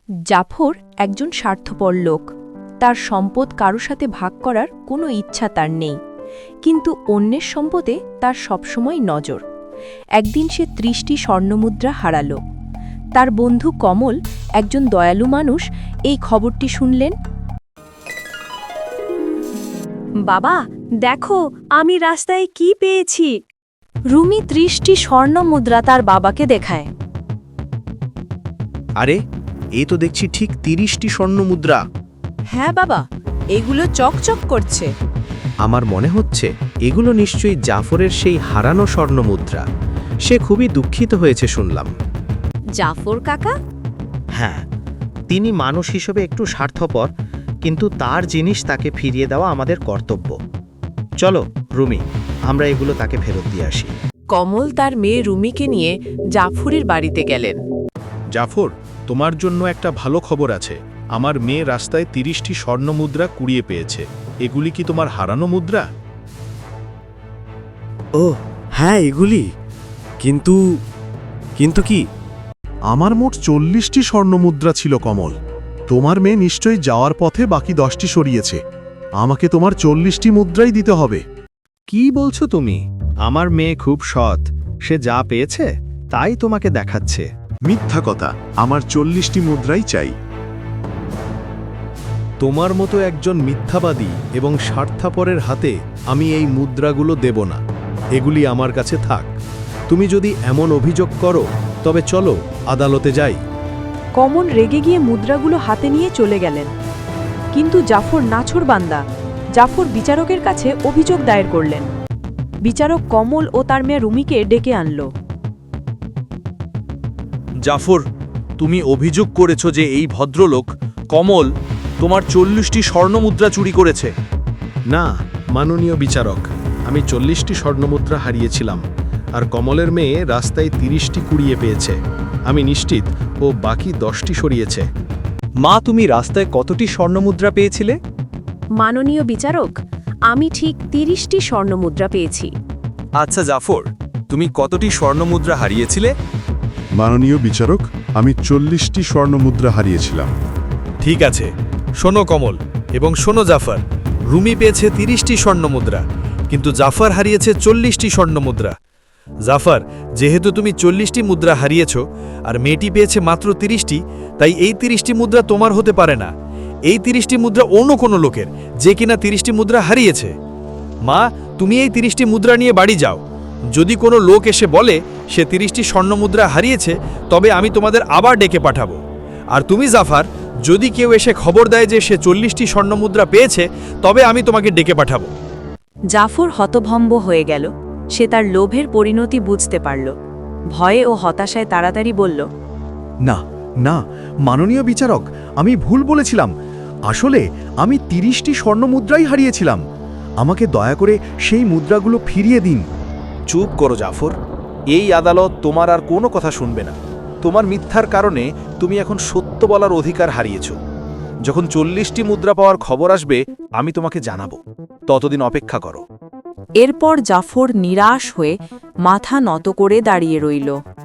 জাফর একজন স্বার্থপর লোক। তার সম্পদ কারো সাথে ভাগ করার কোনো ইচ্ছা তার নেই, কিন্তু অন্যের সম্পদে তার সবসময় নজর। একদিন সে ৩০টি স্বর্ণমুদ্রা হারাল। তার বন্ধু কমল, একজন দয়ালু মানুষ, এই খবরটি শুনলেন। বাবা, দেখো আমি রাস্তায় কি পেয়েছি। রুমি ৩০টি স্বর্ণমুদ্রা তার বাবাকে দেখায়। আরে, এই তো দেখছি ঠিক ৩০টি স্বর্ণমুদ্রা। হ্যাঁ বাবা, এগুলো চকচক করছে। আমার মনে হচ্ছে এগুলো নিশ্চয়ই জাফরের সেই হারানো স্বর্ণমুদ্রা। সে খুবই দুঃখিত হয়েছে শুনলাম। জাফর কাকা? হ্যাঁ, তিনি মানুষ হিসেবে একটু স্বার্থপর, কিন্তু তার জিনিস তাকে ফিরিয়ে দেওয়া আমাদের কর্তব্য। চলো রুমি, আমরা এগুলো তাকে ফেরত দিয়ে আসি। কমল তার মেয়ে রুমিকে নিয়ে জাফরের বাড়িতে গেলেন। জাফর, তোমার জন্য একটা ভালো খবর আছে। আমার মেয়ে রাস্তায় ৩০টি স্বর্ণমুদ্রা কুড়িয়ে পেয়েছে। এগুলি কি তোমার হারানো মুদ্রা? ও হ্যাঁ, এগুলি। কিন্তু কিন্তু কি? আমার মোট ৪০টি স্বর্ণমুদ্রা ছিল কমল। তোমার মেয়ে নিশ্চয়ই যাওয়ার পথে বাকি 10টি সরিয়েছে। আমাকে তোমার ৪০টি মুদ্রাই দিতে হবে। কি বলছো তুমি? আমার মেয়ে খুব সৎ, সে যা পেয়েছে তাই তোমাকে দেখাচ্ছে। মিথ্যা কথা, আমার ৪০টি মুদ্রাই চাই। তোমার মতো একজন মিথ্যাবাদী এবং স্বার্থপরের হাতে আমি এই মুদ্রাগুলো দেব না। এগুলি আমার কাছে থাক। তুমি যদি এমন অভিযোগ করো তবে চলো আদালতে যাই। কমল রেগে গিয়ে মুদ্রাগুলো হাতে নিয়ে চলে গেলেন। কিন্তু জাফর নাছোড়বান্দা। জাফর বিচারকের কাছে অভিযোগ দায়ের করলেন। বিচারক কমল ও তার মেয়ে রুমিকে ডেকে আনল। জাফর, তুমি অভিযোগ করেছ যে এই ভদ্রলোক কমল তোমার ৪০টি স্বর্ণমুদ্রা চুরি করেছে। না, মাননীয় বিচারক, আমি ৪০টি স্বর্ণমুদ্রা হারিয়েছিলাম, আর কমলের মেয়ে রাস্তায় ৩০টি কুড়িয়ে পেয়েছে। আমি নিশ্চিত ও বাকি 10টি সরিয়েছে। মা, তুমি রাস্তায় কতটি স্বর্ণমুদ্রা পেয়েছিলে? মাননীয় বিচারক, আমি ঠিক ৩০টি স্বর্ণমুদ্রা পেয়েছি। আচ্ছা জাফর, তুমি কতটি স্বর্ণমুদ্রা হারিয়েছিলে? মাননীয় বিচারক, আমি ৪০টি স্বর্ণমুদ্রা হারিয়েছিলাম। ঠিক আছে, শোনো কমল এবং শোনো জাফর, রুমি পেয়েছে ৩০টি স্বর্ণমুদ্রা, কিন্তু জাফর হারিয়েছে ৪০টি স্বর্ণমুদ্রা। জাফর, যেহেতু তুমি ৪০টি মুদ্রা হারিয়েছ আর মেয়েটি পেয়েছে মাত্র ৩০টি, তাই এই ৩০টি মুদ্রা তোমার হতে পারে না। এই ৩০টি মুদ্রা অন্য কোনো লোকের, যে কিনা ৩০টি মুদ্রা হারিয়েছে। মা, তুমি এই ৩০টি মুদ্রা নিয়ে বাড়ি যাও। যদি কোনো লোক এসে বলে সে ৩০টি স্বর্ণমুদ্রা হারিয়েছে, তবে আমি তোমাদের আবার ডেকে পাঠাবো। আর তুমি জাফর, যদি কেউ এসে খবর দেয় যে সে ৪০টি স্বর্ণমুদ্রা পেয়েছে, তবে আমি তোমাকে ডেকে পাঠাবো। জাফর হতভম্ব হয়ে গেল। সে তার লোভের পরিণতি বুঝতে পারল। ভয়ে ও হতাশায় তাড়াতাড়ি বলল, না না, মাননীয় বিচারক, আমি ভুল বলেছিলাম। আসলে আমি ৩০টি স্বর্ণমুদ্রাই হারিয়েছিলাম। আমাকে দয়া করে সেই মুদ্রাগুলো ফিরিয়ে দিন। চুপ করো জাফর, এই আদালত তোমার আর কোনো কথা শুনবে না। তোমার মিথ্যার কারণে তুমি এখন সত্য বলার অধিকার হারিয়েছ। যখন ৪০টি মুদ্রা পাওয়ার খবর আসবে, আমি তোমাকে জানাবো। ততদিন অপেক্ষা করো। এরপর জাফর নিরাশ হয়ে মাথা নত করে দাঁড়িয়ে রইল।